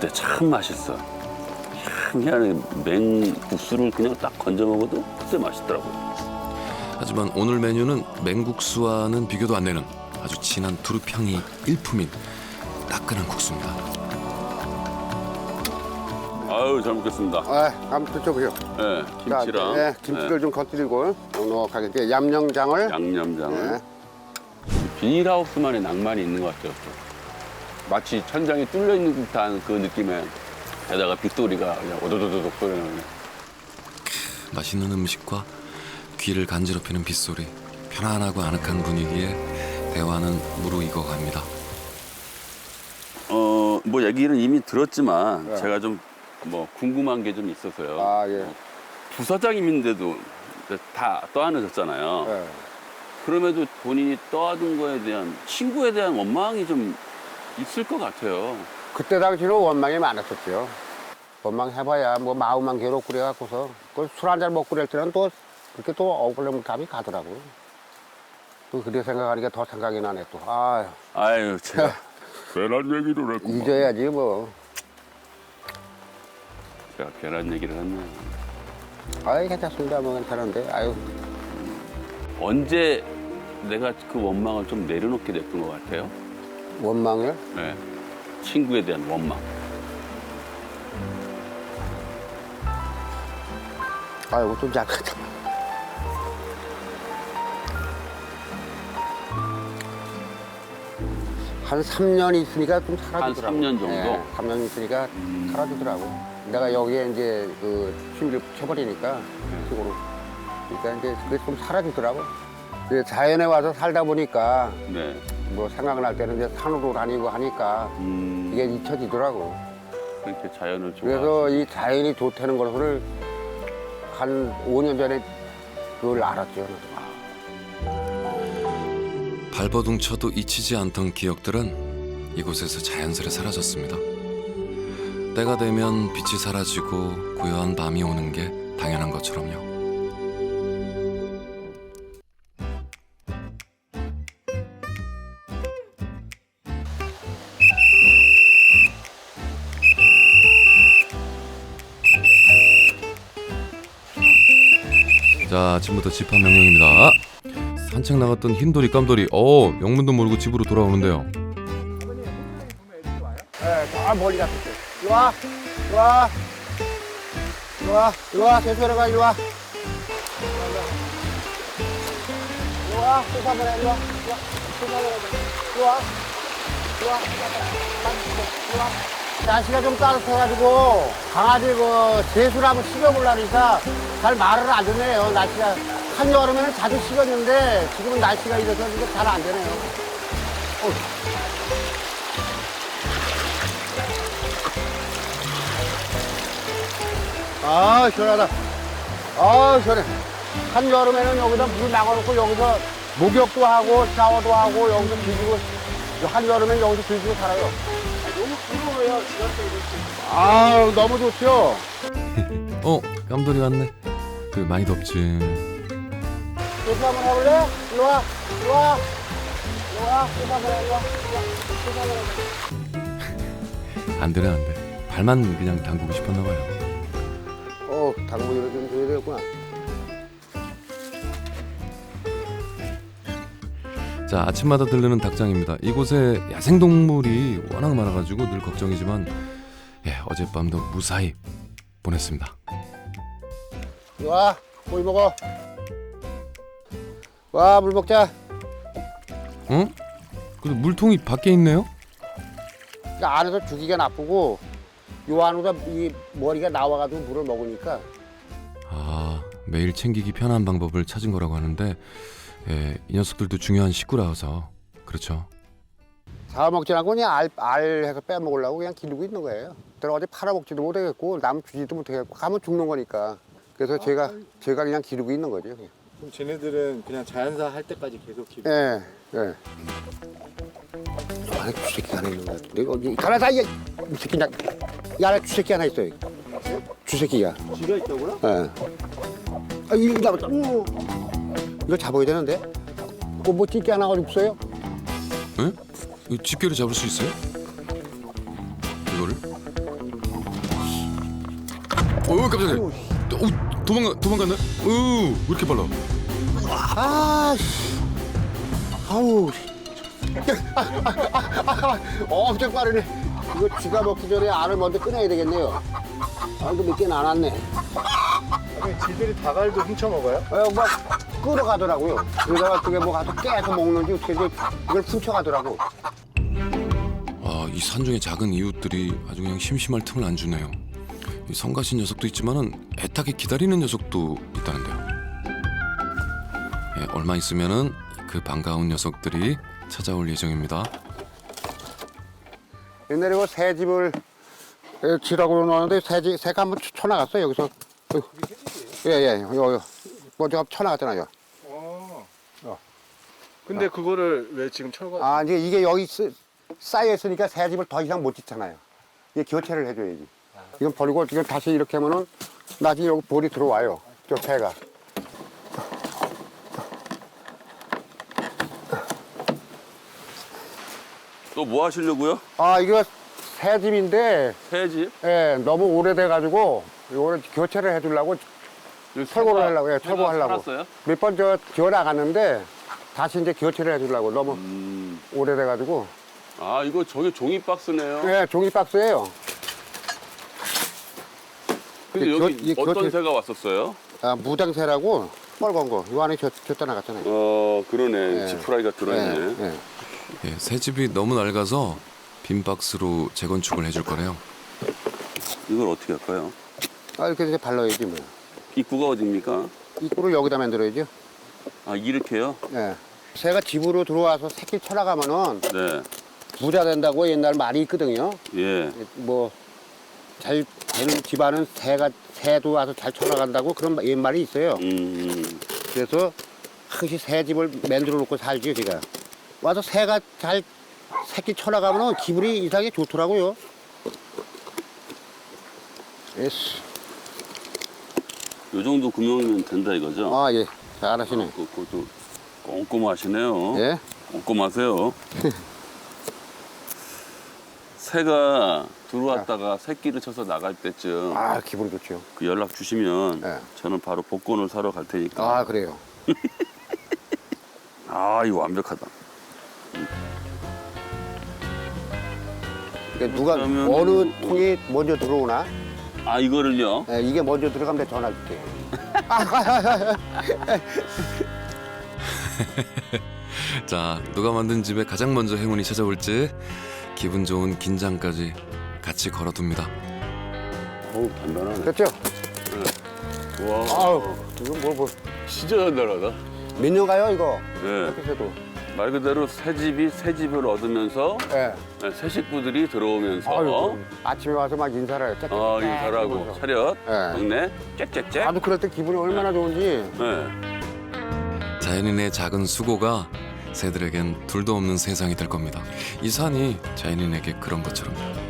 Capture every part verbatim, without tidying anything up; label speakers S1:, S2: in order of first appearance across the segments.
S1: 때 참 맛있어. 희한하게 맹국수를 그냥 딱 건져 먹어도 그때 맛있더라고요.
S2: 하지만 오늘 메뉴는 맹국수와는 비교도 안 되는 아주 진한 두릅향이 일품인 따끈한 국수입니다.
S1: 아유, 잘 먹겠습니다.
S3: 아, 한번 드셔보세요.
S1: 네, 김치랑
S3: 네, 김치를 좀 건드리고 넉넉하게 이제 얌영장을.
S1: 양념장을.
S3: 네.
S1: 비닐하우스만의 낭만이 있는 것 같아요. 마치 천장이 뚫려 있는 듯한 그 느낌에 게다가 빗소리가 그냥 오도도도독 소리나는.
S2: 맛있는 음식과 귀를 간지럽히는 빗소리, 편안하고 아늑한 분위기에 대화는 무르익어 갑니다.
S1: 어, 뭐 얘기는 이미 들었지만
S3: 네.
S1: 제가 좀 뭐 궁금한 게 좀 있어서요.
S3: 아, 예.
S1: 부사장님인데도 다 떠안으셨잖아요.
S3: 네.
S1: 그럼에도 본인이 떠안은 거에 대한 친구에 대한 원망이 좀 있을 것 같아요.
S3: 그때 당시로 원망이 많았었죠. 원망해봐야 뭐 마음만 괴롭고 그래갖고서 술 한 잔 먹고 그럴 때는 또 그렇게 또 억울한 감이 가더라고요. 또 그래 생각하니까 더 생각이 나네 또. 아유,
S1: 아유, 제가 괜한 얘기를 했구만.
S3: 잊어야지 뭐.
S1: 제가 괜한 얘기를 했네.
S3: 아이, 괜찮습니다. 뭐 괜찮은데. 아유.
S1: 언제 내가 그 원망을 좀 내려놓게 됐던 것 같아요?
S3: 원망을?
S1: 네. 친구에 대한 원망.
S3: 아이고, 좀 약하다. 한 삼 년 있으니까 좀 사라지더라고.
S1: 한 삼 년 정도?
S3: 네, 삼 년 있으니까
S1: 음.
S3: 사라지더라고. 내가 여기에 이제 그 취미를 붙여버리니까, 식으로. 그러니까 이제 그게 좀 사라지더라고. 이제 자연에 와서 살다 보니까
S1: 네.
S3: 뭐 생각날 때는 이제 산으로 다니고 하니까
S1: 음,
S3: 이게 잊혀지더라고.
S1: 그렇게 자연을 좋아.
S3: 그래서 이 자연이 좋다는 것을 한 오 년 전에 그걸 알았죠.
S2: 발버둥 쳐도 잊히지 않던 기억들은 이곳에서 자연스레 사라졌습니다. 때가 되면 빛이 사라지고 고요한 밤이 오는 게 당연한 것처럼요. 자, 아침부터 집합 명령입니다. 산책 나갔던 흰돌이 깜돌이 어 영문도 모르고 집으로 돌아오는데요.
S3: 네, 저 멀리 갔었어요. 이리 와, 이리 와, 이리 와, 이리 와, 대표로 가, 이리 와. 이리 와, 수사를 해, 이리 와, 이리 와, 수사를 해, 이리 와, 이리 와, 이리 와. 날씨가 좀 따뜻해가지고 강아지 그 세수를 한번 식여보려니까 잘 말을 안 듣네요. 날씨가 한여름에는 자주 식었는데 지금은 날씨가 이래서 이게 잘 안 되네요. 어휴. 아, 시원하다. 아, 시원해. 한여름에는 여기다 물 막아놓고 여기서 목욕도 하고 샤워도 하고 여기서 뒤지고 한여름엔 여기서 뒤지고 살아요. 너무 부러워요, 지각도 이렇게. 아, 너무 좋죠.
S2: 어 깜돌이 왔네. 그 많이 덥지.
S3: 세수 한번 해볼래? 이리 와, 이리 와. 이리 와, 세수 한번 해, 이리 와. 이리 와, 세수 한번 해.
S2: 안 되네 안 돼. 발만 그냥 담그고 싶었나 봐요.
S3: 어, 당분이를 좀 줘야 되겠구나.
S2: 자, 아침마다 들르는 닭장입니다. 이곳에 야생동물이 워낙 많아가지고 늘 걱정이지만 예, 어젯밤도 무사히 보냈습니다.
S3: 이리 와, 물 먹어. 와, 물 먹자.
S2: 어? 근데 물통이 밖에 있네요?
S3: 그 안에서 주기가 나쁘고 요 안으로 이 머리가 나와가지고 물을 먹으니까.
S2: 아, 매일 챙기기 편한 방법을 찾은 거라고 하는데 예, 이 녀석들도 중요한 식구라서 그렇죠.
S3: 잡아먹지 않고 그냥 알, 알 해서 빼먹으려고 그냥 기르고 있는 거예요. 내가 어디 팔아먹지도 못하겠고 남 주지도 못하겠고 가면 죽는 거니까. 그래서 제가 제가 그냥 기르고 있는 거죠. 그냥.
S4: 그럼 쟤네들은 그냥 자연사 할 때까지 계속 기르.
S3: 예, 예. 저 안에 주새끼 하나 있는 거 같은데 여기 가만있어. 이 새끼 나, 이 안에 주새끼 하나 있어요. 주새끼가.
S4: 쥐가 있다고요?
S3: 예. 아, 이거 잡았다. 오. 이거 잡아야 되는데. 그거 뭐 찌개 하나가 없어요?
S2: 응? 이 집게를 잡을 수 있어요? 이거를? 어 깜짝이야. 어, 도망가 도망갔네. 어왜 이렇게 빨라?
S3: 아, 씨. 아우. 어, 엄청 빠르네. 이거 쥐가 먹기 전에 알을 먼저 꺼내야 되겠네요. 알도 몇 개는 안 왔네.
S4: 아니, 쥐들이 닭알도 훔쳐 먹어요?
S3: 어, 막 끌어가더라고요. 그러다가 그게 뭐 가서 깨서 먹는지 어떻게 이제 이걸 훔쳐가더라고.
S2: 아, 이 산중의 작은 이웃들이 아주 그냥 심심할 틈을 안 주네요. 이 성가신 녀석도 있지만은 애타게 기다리는 녀석도 있다는데요. 예, 얼마 있으면은 그 반가운 녀석들이 찾아올 예정입니다.
S3: 옛날에 그 새 집을 지라고 놓았는데 새집 새가 한번 쳐나갔어요 여기서. 예예, 요, 요. 먼저 쳐나갔잖아요.
S4: 어. 근데 그거를 왜 지금 철거?
S3: 아 이제 이게 여기 쓰, 쌓여 있으니까 새 집을 더 이상 못 짓잖아요. 이게 교체를 해줘야지. 이건 버리고 이건 다시 이렇게 하면은 나중에 여기 볼이 들어와요. 저 새가.
S1: 또 뭐 하시려고요?
S3: 아 이거 새 집인데
S1: 새집?
S3: 예, 너무 오래돼가지고 이거를 교체를 해주려고 철거를 하려고, 예, 철거하려고.
S1: 살았어요?
S3: 몇 번 저 지어 나갔는데 다시 이제 교체를 해주려고 너무
S1: 음.
S3: 오래돼가지고.
S1: 아 이거 저게 종이 박스네요.
S3: 예, 종이 박스예요.
S1: 근데
S3: 이게
S1: 여기
S3: 겨- 이게
S1: 어떤
S3: 교체-
S1: 새가 왔었어요?
S3: 아, 무장새라고 빨간 거. 이 안에 저, 저 나갔잖아요.
S1: 어 그러네.
S3: 예.
S1: 지푸라기가 들어있네.
S3: 예, 예.
S2: 예, 새 집이 너무 낡아서 빈 박스로 재건축을 해줄 거래요.
S1: 이걸 어떻게 할까요?
S3: 아, 이렇게 이제 발라야지 뭐.
S1: 입구가 어딥니까?
S3: 입구를 여기다 만들어야죠.
S1: 아 이렇게요?
S3: 예. 새가 집으로 들어와서 새끼 쳐나가면은
S1: 네.
S3: 부자 된다고 옛날 말이 있거든요.
S1: 예.
S3: 뭐 잘 되는 집안은 새가 새도 와서 잘 쳐나간다고 그런 마- 옛말이 있어요.
S1: 음.
S3: 그래서 항시 새 집을 만들어 놓고 살죠, 제가. 와서 새가 잘 새끼 쳐나가면 기분이 이상하게 좋더라고요. 예스.
S1: 요 정도 구멍이면 된다 이거죠?
S3: 아, 예. 잘하시네.
S1: 그, 그것도 꼼꼼하시네요.
S3: 예?
S1: 꼼꼼하세요. 새가 들어왔다가 새끼를 쳐서 나갈 때쯤
S3: 아, 기분 좋죠.
S1: 그 연락 주시면
S3: 네.
S1: 저는 바로 복권을 사러 갈 테니까.
S3: 아, 그래요.
S1: 아 이거 완벽하다.
S3: 그러니까 누가
S1: 그러면
S3: 어느
S1: 뭐-
S3: 통이 먼저 들어오나?
S1: 아 이거를요?
S3: 예, 이게 먼저 들어가면 내가 전화 줄게.
S2: 자, 누가 만든 집에 가장 먼저 행운이 찾아올지 기분 좋은 긴장까지 같이 걸어둡니다.
S1: 어우 단단하네.
S3: 됐죠?
S1: 와.
S3: 아우, 이거 뭐, 뭐.
S1: 진짜 단단하다.
S3: 몇 년 가요, 이거?
S1: 예.
S3: 이렇게 해도.
S1: 말 그대로 새 집이 새 집을 얻으면서
S3: 예.
S1: 네, 새 식구들이 들어오면서
S3: 아유, 아침에 와서 막 인사를 해요.
S1: 어, 인사라고
S3: 하면서.
S1: 차렷
S3: 예.
S1: 동네 짹짹짹.
S3: 나도 그럴 때 기분이 얼마나 좋은지.
S1: 네.
S2: 자연인의 작은 수고가 새들에겐 둘도 없는 세상이 될 겁니다. 이 산이 자연인에게 그런 것처럼요.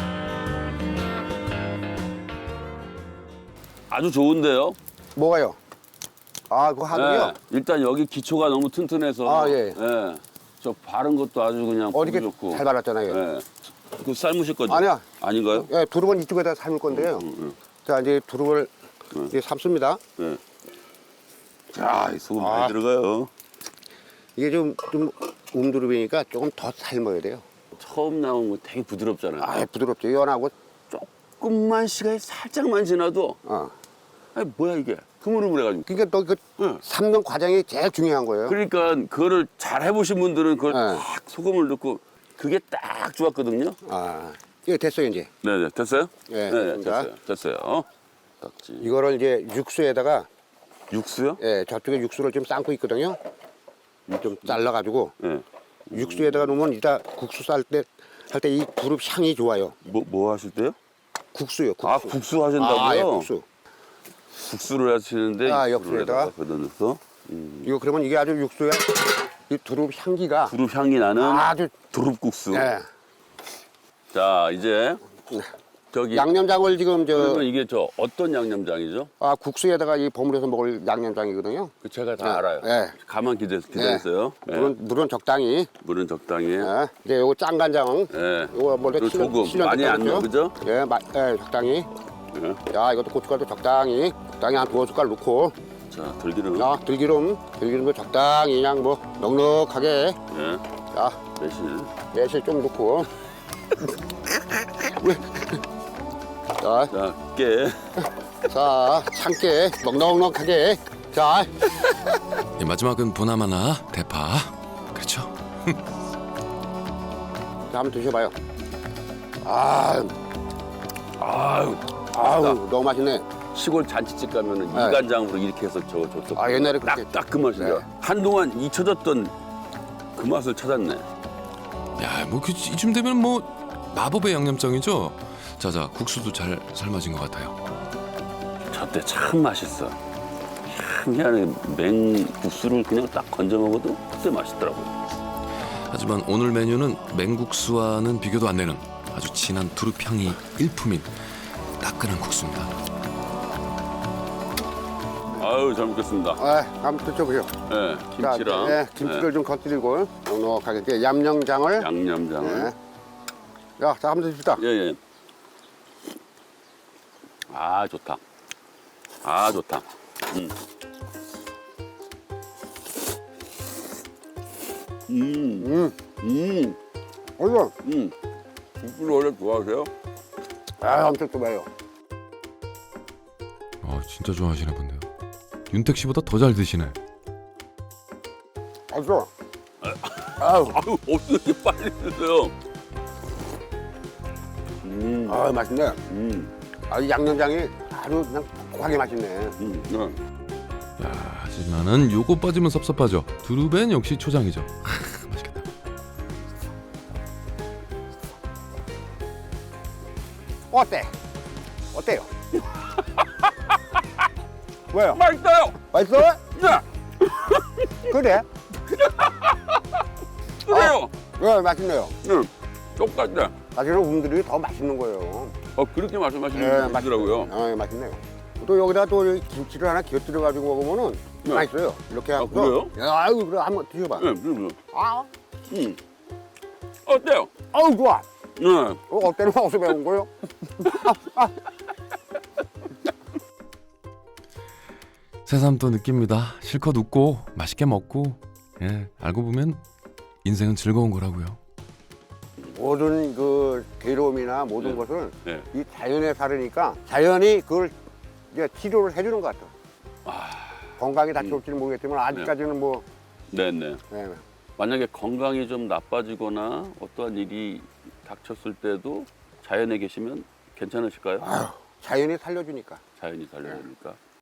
S1: 아주 좋은데요.
S3: 뭐가요? 아, 그거 하늘이요?
S1: 네. 일단 여기 기초가 너무 튼튼해서.
S3: 아, 예.
S1: 네. 저 바른 것도 아주 그냥
S3: 어저께
S1: 보기 좋고.
S3: 잘 발랐잖아요.
S1: 네. 그 삶으실 거죠?
S3: 아니야.
S1: 아닌가요?
S3: 예, 두릅은 이쪽에다 삶을 건데요.
S1: 음, 음.
S3: 자, 이제 두릅을
S1: 음.
S3: 이제 삶습니다.
S1: 네. 자, 이 소금
S3: 아.
S1: 많이 들어가요.
S3: 이게 좀, 좀 움두릅이니까 조금 더 삶아야 돼요.
S1: 처음 나온 거 되게 부드럽잖아요.
S3: 아, 부드럽죠. 연하고.
S1: 조금만 시간이 살짝만 지나도
S3: 어.
S1: 아니 뭐야 이게 흐물흐물해가지고.
S3: 그러니까 너 그
S1: 응.
S3: 삶는 과정이 제일 중요한 거예요.
S1: 그러니까 그거를 잘 해보신 분들은 그걸
S3: 네.
S1: 딱 소금을 넣고 그게 딱 좋았거든요.
S3: 아, 이거 됐어요, 이제.
S1: 네네 됐어요?
S3: 네,
S1: 네
S3: 됐습니다.
S1: 됐어요. 됐어요. 딱지.
S3: 이거를 이제 육수에다가,
S1: 육수요?
S3: 예, 저쪽에 육수를 좀 삶고 있거든요. 좀 잘라가지고
S1: 네.
S3: 육수에다가 놓으면 이따 국수 쌀 때 할 때 이 두릅 향이 좋아요.
S1: 뭐 뭐 하실 때요?
S3: 국수요, 국수.
S1: 아 국수 하신다고요?
S3: 아, 예, 국수.
S1: 국수를 하시는데
S3: 아,
S1: 육수를
S3: 옆에다가.
S1: 거기다 넣어서 음.
S3: 이거 그러면 이게 아주 육수에 이 두릅 향기가
S1: 두릅 향이 나는
S3: 아주,
S1: 두릅국수.
S3: 예.
S1: 자 이제 저기
S3: 양념장을 지금 저,
S1: 그러면 이게 저 어떤 양념장이죠?
S3: 아, 국수에다가 이 버무려서 먹을 양념장이거든요.
S1: 그 제가 다
S3: 네,
S1: 알아요.
S3: 네.
S1: 가만 기대 기다렸어요. 네.
S3: 물은, 물은 적당히.
S1: 물은 적당히.
S3: 예. 이제 요거 짠간장.
S1: 네.
S3: 요거 먼저
S1: 또
S3: 칠년-
S1: 조금
S3: 칠년
S1: 많이 안
S3: 됐거든요.
S1: 넣어, 그죠?
S3: 예, 마, 예, 적당히.
S1: 예.
S3: 자, 이것도 고춧가루 적당히, 적당히 한 두어 숟갈 넣고.
S1: 자, 들기름.
S3: 자, 들기름, 들기름도 적당히 그냥 뭐 넉넉하게.
S1: 예.
S3: 자,
S1: 매실.
S3: 매실 좀 넣고. 자,
S1: 자, 깨.
S3: 자, 참깨 넉넉넉하게. 자,
S2: 이 마지막은 보나마나 대파. 그렇죠.
S3: 자, 한번 드셔봐요. 아,
S1: 아유,
S3: 아우,
S1: 나
S3: 너무 맛있네.
S1: 시골 잔치집 가면은
S3: 네.
S1: 이간장으로 이렇게 해서 저거 줬었고.
S3: 아, 옛날에 그렇게
S1: 딱딱 그 맛이야.
S3: 네.
S1: 한동안 잊혀졌던 그 맛을 찾았네.
S2: 야, 뭐 그, 이쯤 되면 뭐 마법의 양념장이죠. 자자, 국수도 잘 삶아진 것 같아요.
S1: 저때 참 맛있어. 희한하게 맹국수를 그냥 딱 건져 먹어도 그때 맛있더라고요.
S2: 하지만 오늘 메뉴는 맹국수와는 비교도 안 되는 아주 진한 두릅향이 일품인 따끈한 국수입니다.
S1: 아유, 잘 먹겠습니다.
S3: 아, 한번 드셔보세요.
S1: 네, 김치랑
S3: 자, 네, 김치를 좀 건드리고 넉넉하게 이렇게 양념장을.
S1: 네, 양념장을.
S3: 네. 자, 자, 한번 드십시다.
S1: 예, 예. 아, 좋다. 아, 좋다. 음. 음,
S3: 음,
S1: 음,
S3: 어이구,
S1: 음. 국수를 원래 좋아하세요?
S3: 아, 엄청 좋아요.
S2: 아, 진짜 좋아하시나 본데요. 윤택 씨보다 더 잘 드시네.
S3: 맛있어. 아우,
S1: 아유, 어떻게 빨리 드세요? 음,
S3: 아, 맛있네.
S1: 음,
S3: 아, 이 양념장이 아주 그냥 톡하게 맛있네.
S1: 음, 네.
S2: 야, 하지만은 요거 빠지면 섭섭하죠. 두릅엔 역시 초장이죠. 하, 맛있겠다.
S3: 어때? 어때요? 왜요?
S1: 맛있어요!
S3: 맛있어?
S1: 네!
S3: 그래?
S1: 그래요!
S3: 네, 맛있네요.
S1: 네, 똑같네.
S3: 사실은 우분들이 더 맛있는 거예요.
S1: 어, 그렇게 말씀하시는
S3: 네,
S1: 분이 있더라고요.
S3: 어, 예, 맛있네요. 또 여기다 또 김치를 하나 곁들여가지고 먹으면은
S1: 네.
S3: 맛있어요. 이렇게 하고.
S1: 그래요?
S3: 예, 아유, 그래, 한번 드셔봐.
S1: 네, 그래요.
S3: 아,
S1: 음. 어때요?
S3: 아우, 좋아.
S1: 네.
S3: 어, 어때는 어디서 배운 거요?
S2: 새삼 또 느낍니다. 실컷 웃고 맛있게 먹고, 예, 알고 보면 인생은 즐거운 거라고요.
S3: 모든 그 괴로움이나 모든
S1: 네.
S3: 것을
S1: 네.
S3: 이 자연에 살으니까 자연이 그걸 이제 치료를 해주는 것 같아. 건강이 다쳐올지는 모르겠지만 아직까지는 뭐.
S1: 네, 네.
S3: 네.
S1: 만약에 건강이 좀 나빠지거나 어떠한 일이 닥쳤을 때도 자연에 계시면 괜찮으실까요?
S3: 아유, 자연이 살려주니까.
S1: 자연이 살려주니까.